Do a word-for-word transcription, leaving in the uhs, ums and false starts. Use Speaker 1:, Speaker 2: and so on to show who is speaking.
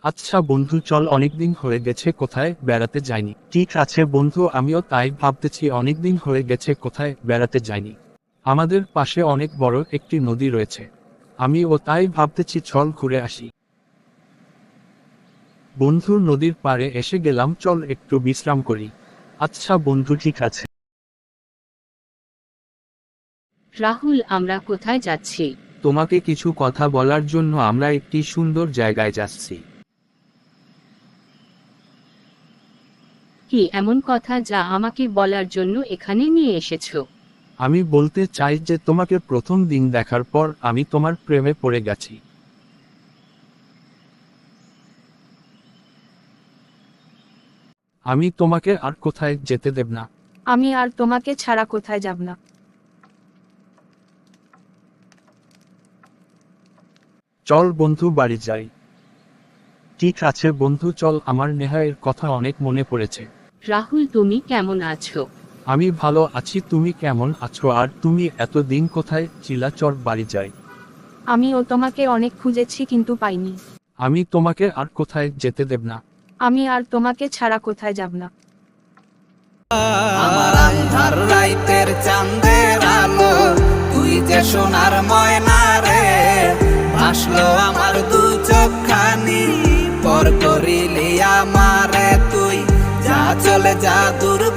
Speaker 1: আচ্ছা বন্ধু, চল, অনেকদিন হয়ে গেছে কোথায় বেড়াতে যাইনি। ঠিক আছে বন্ধু, আমিও তাই ভাবতেছি, অনেকদিন হয়ে গেছে কোথায় বেড়াতে যাইনি। আমাদের পাশে অনেক বড় একটি নদী রয়েছে, আমিও তাই ভাবতেছি চল ঘুরে আসি। বন্ধু, নদীর পাড়ে এসে গেলাম, চল একটু বিশ্রাম করি। আচ্ছা বন্ধু, ঠিক আছে।
Speaker 2: রাহুল, আমরা কোথায় যাচ্ছি?
Speaker 1: তোমাকে কিছু কথা বলার জন্য আমরা একটি সুন্দর জায়গায় যাচ্ছি।
Speaker 2: কি এমন কথা যা আমাকে বলার জন্য এখানে নিয়ে এসেছো?
Speaker 1: আমি বলতে চাই যে তোমাকে প্রথম দিন দেখার পর আমি তোমার প্রেমে পড়ে গেছি। আমি তোমাকে আর কোথায় যেতে দেব না।
Speaker 3: আমি আর তোমাকে ছাড়া কোথায় যাব না।
Speaker 1: চল বন্ধু, বাড়ি যাই। ঠিক আছে বন্ধু, চল, আমার নেহায়ের কথা অনেক মনে পড়েছে।
Speaker 2: রাহুল, তুমি কেমন আছো?
Speaker 1: আমি ভালো আছি, তুমি কেমন আছো? আর তুমি এতদিন কোথায় ছিলা? চল বাড়ি যাই।
Speaker 3: আমিও তোমাকে অনেক খুঁজেছি কিন্তু পাইনি।
Speaker 1: আমি তোমাকে আর কোথায় যেতে দেব না।
Speaker 3: আমি আর তোমাকে ছাড়া কোথায় যাব না।
Speaker 4: আমার আন্ধার রাইতের চাঁদের আলো, তুই যে সোনার ময়না রে, ভাসলো আমার দু চোখখানি, পর করিলি আমারে তুই, যা চলে যা দূর।